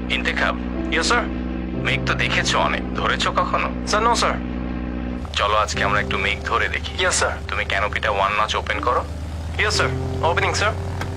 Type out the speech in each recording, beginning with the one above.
ইন্তেখাব, yes sir. মেঘ তো দেখেছো অনেক, ধরেছো কখনো? Sir no sir. চলো আজকে আমরা একটু মেঘ ধরে দেখি। Yes sir. তুমি ক্যানোপিটা 1 নচ ওপেন করো। Yes sir, opening sir.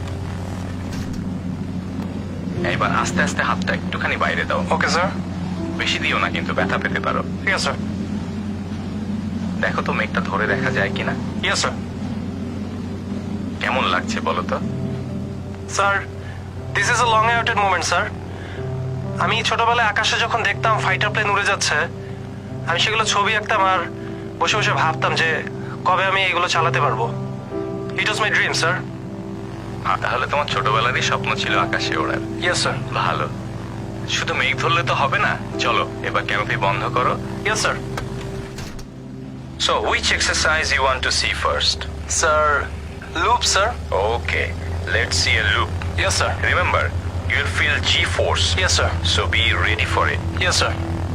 এবার আস্তে আস্তে হাতটা একটুখানি বাইরে দাও। Okay sir. বেশি দিও না, কিন্তু ব্যথা পেতে পারো। Yes sir. দেখো তো মেঘটা ধরে দেখা যায় কিনা। Yes sir. কেমন লাগছে বলো তো? Sir, this is a long awaited moment sir. আমি ছোটবেলায় আকাশে যখন দেখতাম ফাইটার প্লেন উড়ে যাচ্ছে, আমি সেগুলো ছবি আঁকতাম আর বসে বসে ভাবতাম যে কবে আমি এগুলো চালাতে পারবো। It was my dream sir. তাহলে তোমার ছোটবেলারই স্বপ্ন ছিল আকাশে ওড়ার। Yes sir. ভালো। শুধু মেঘ ধরলে তো হবে না, চলো এবার ক্যানোপি বন্ধ করো। Yes sir. So which exercise you want to see first? Sir, loop sir. Okay, let's see a loop. Yes sir. Remember, you'll feel G-force. Yes sir. So be ready for it. Yes sir.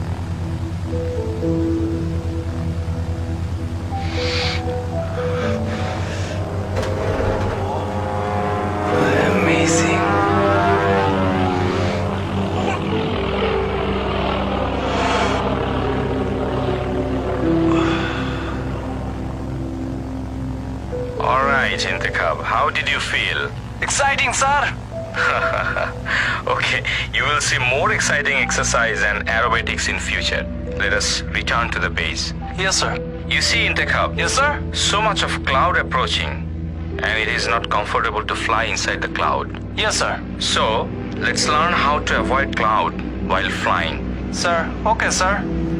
Amazing. All right, Intikhab, how did you feel? Exciting, sir. Okay, you will see more exciting exercise and aerobatics in future. Let us return to the base. Yes, sir. You see, Intikhab, Yes, sir. so much of cloud approaching, and it is not comfortable to fly inside the cloud. Yes, sir. So, let's learn how to avoid cloud while flying. Sir, okay, sir.